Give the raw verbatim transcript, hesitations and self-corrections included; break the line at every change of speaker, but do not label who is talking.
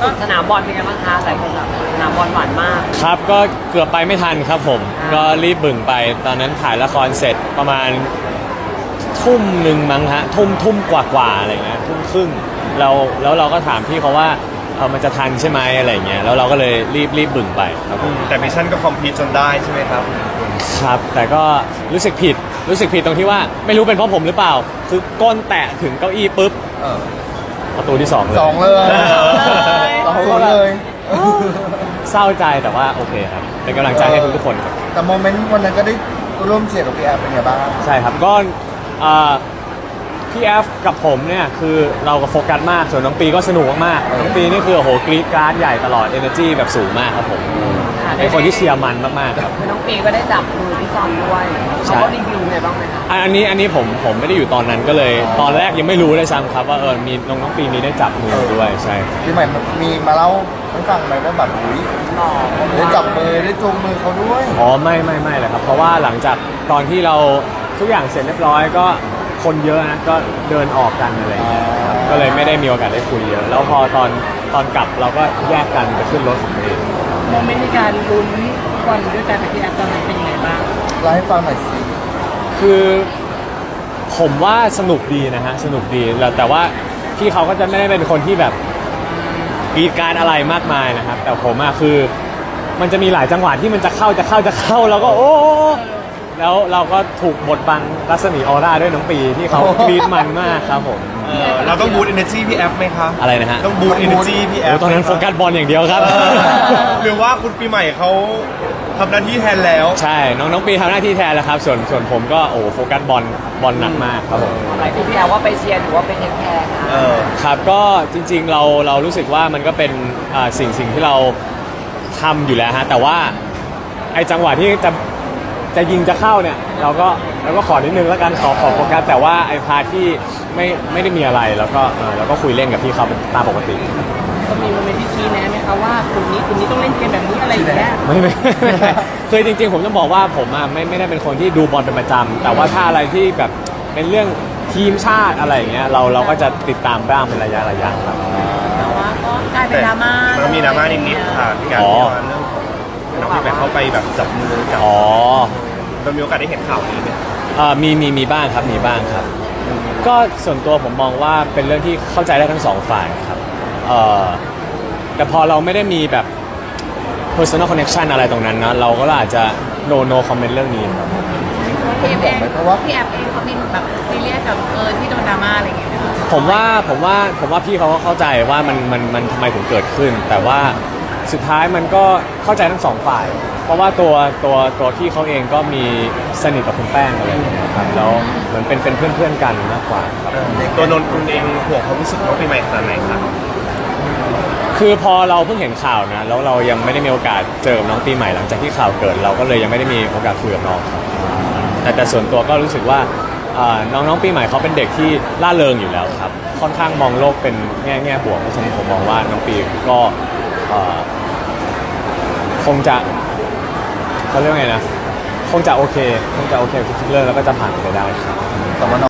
สุดสนามบอลเป็นไงบ้างคะหลายคนแบบสนามบอลหวานมาก
ครับก็เกือบไปไม่ทันครับผมก็รีบบึ่งไปตอนนั้นถ่ายละครเสร็จประมาณทุ่มหนึ่งมั้งฮะทุ่มทุ่มกว่ากว่าอะไรเงี้ยทุ่มครึ่งเราแล้วเราก็ถามพี่เขาว่าเออมันจะทันใช่ไหมอะไรเงี้ยแล้วเราก็เลยรีบรีบบึ่งไปครับผม
แต่มิชชั่นก็คอมพลีทจนได้ใช่ไหมครับ
ครับแต่ก็รู้สึกผิดรู้สึกผิดตรงที่ว่าไม่รู้เป็นเพราะผมหรือเปล่าคือก้นแตะถึงเก้าอี้ปุ๊บประตูที่สองเลย
สองเลยสองคนเลย
เศร้าใจแต่ว่าโอเคครับเป็นกำลังใจให้ทุกทุกคนครับ
แต่โมเมนต์วันนั้นก็ได้ร่วมเชียร์กับพี่แอฟเป็นไงบ้าง
ใช่ครับก็พี่แอฟกับผมเนี่ยคือเราก็โฟกัสมากส่วนน้องปีก็สนุกมากๆน้องปีนี่คือโอ้โหกรี๊ดกราร์ดใหญ่ตลอด energy แบบสูงมากครับผมเป็นคนที่เชียร์มันมากๆครับ
คือน้องปีก็ได้จับมือพี่ซอมด้วยเขาก็รีวิวไงบ้างไหมคะ
อันนี้อันนี้ผมผมไม่ได้อยู่ตอนนั้นก็เลยตอนแรกยังไม่รู้เลยซ้ำครับว่าเออมีน้องน้องปีมีได้จับมือด้วยใช่
พี่ใหม่มีมาเล่าให้ฟังไหมว่าแบบอุ้ยได้จับมือได้จูงมือเขาด้วย
อ๋อไม่ไม่ไม่เลยครับเพราะว่าหลังจากตอนที่เราทุกอย่างเสร็จเรียบร้อยก็คนเยอะนะก็เดินออกกันอะไรอย่างเงี้ยครับก็เลยไม่ได้มีโอกาสได้คุยเยอะแล้วพอตอนตอนกลับเราก็แยกกันไปขึ้นรถของตัวเอง
โมเมนต์ในการลุ้นบอลด้วยกันกับพี่แอฟตอนนั้นเป็นยังไงบ้าง
เล่าให้ฟังหน่อยสิ
คือผมว่าสนุกดีนะฮะสนุกดีแล้วแต่ว่าพี่เขาก็จะไม่ได้เป็นคนที่แบบกรีดการอะไรมากมายนะครับแต่ผมอะคือมันจะมีหลายจังหวะที่มันจะเข้าจะเข้าจะเข้าแล้วก็โอ้แล้วเราก็ถูกบดบังรัศมีออร่าด้วยน้องปีที่เขากรีดมันมากครับผม
เราต้องบูตเอเนอร์จีพี่แอฟไหมคะ
อะไรนะฮะ
ต้องบูตเอเนอร์จีพี่แอฟ
ตอนนั้นโฟกัสบอลอย่างเดียวครับ
หรือว่าคุณปีใหม่เขาทำหน้าที่แทนแล้ว
ใช่น้องน้องปีทำหน้าที่แทนแล้วครับส่วนส่วนผมก็โอ้โฟกัสบอลบอลหนักมากครับผม
อะไรที่พี่แอฟว่าไปเชียร์หรือว่าไปเทคแคร์
ครับก็จริงๆเราเรารู้สึกว่ามันก็เป็นสิ่งสิ่งที่เราทำอยู่แล้วฮะแต่ว่าไอ้จังหวะที่จะจะยิงจะเข้าเนี่ยเราก็เราก็ขอนิดนึงแล้วกันขอขอโฟกัสแต่ว่าไอ้พาร์ทที่ไม่ไม่ได้มีอะไรแล้วก็เราก็คุยเล่นกับพี่เขาตามปกติ
ก็มีโมเมนต์ที่ชี้แนะไหมคะว่ากลุ่มนี้กลุ่มนี้ต้องเล่นเกมแบบนี้อะไรอย่างเงี้ย
ไม่ไม่เคยจริงๆผมต้องบอกว่าผมอ่ะไม่ไม่ได้เป็นคนที่ดูบอลเป็นประจำแต่ว่าถ้าอะไรที่แบบเป็นเรื่องทีมชาติอะไรอย่างเงี้ยเราเราก็จะติดตามบ้างเป็นระยะระยะครับ
แต่ว่าก็กลายเป็นดราม่า
มันมีดราม่านิดๆค่ะที่การที่ว่าเรื่องของน้องพี่แบบเขาไปแบบจับมือกับ
อ๋อ
เรามีโอกาสได้เห็นข่าวนี้ไหม
อ่ามีมีมีบ้างครับมีบ้างครับก็ส่วนตัวผมมองว่าเป็นเรื่องที่เข้าใจได้ทั้งสองฝ่ายครับเอ่อแต่พอเราไม่ได้มีแบบ personal connection อะไรตรงนั้นนะเราก็อาจจะ no no comment เรื่องนี้ครับ
พี่แอฟเองเพราะว่าพี่แอฟเองเขามีแบบซีเรียสกับเออที่โดนดราม่าอะไรอย่างเงี้ย
ผมว่าผมว่าผมว่าพี่เขาก็เข้าใจว่ามันมันมันทำไมถึงเกิดขึ้นแต่ว่าสุดท้ายมันก็เข้าใจทั้งสองฝ่ายเพราะว่าตัวตัวตัวพี่เขาเองก็มีสนิทกับคุณแป้งอะไรอย่างเงี้ยครับแล้วเหมือนเป็นเป็นเพื่อนเพื่อนกันมากกว่าครับ
ตัวนนท์คุณเองห่วงความรู้สึกน้องปีใหม่ขนาดไหนครับ
คือพอเราเพิ่งเห็นข่าวนะแล้วเรายังไม่ได้มีโอกาสเจอกับน้องปีใหม่หลังจากที่ข่าวเกิดเราก็เลยยังไม่ได้มีโอกาสคุยกับน้องแต่แต่ส่วนตัวก็รู้สึกว่าน้องน้องปีใหม่เขาเป็นเด็กที่ล่าเริงอยู่แล้วครับค่อนข้างมองโลกเป็นแง่แง่บวกเพราะฉะนั้นผมมองว่าน้องปีก็คงจะเขาเรียกไงนะคงจะโอเคคงจะโอเคทุกเรื่องแล้วก็จะผ่านไปได้ครับ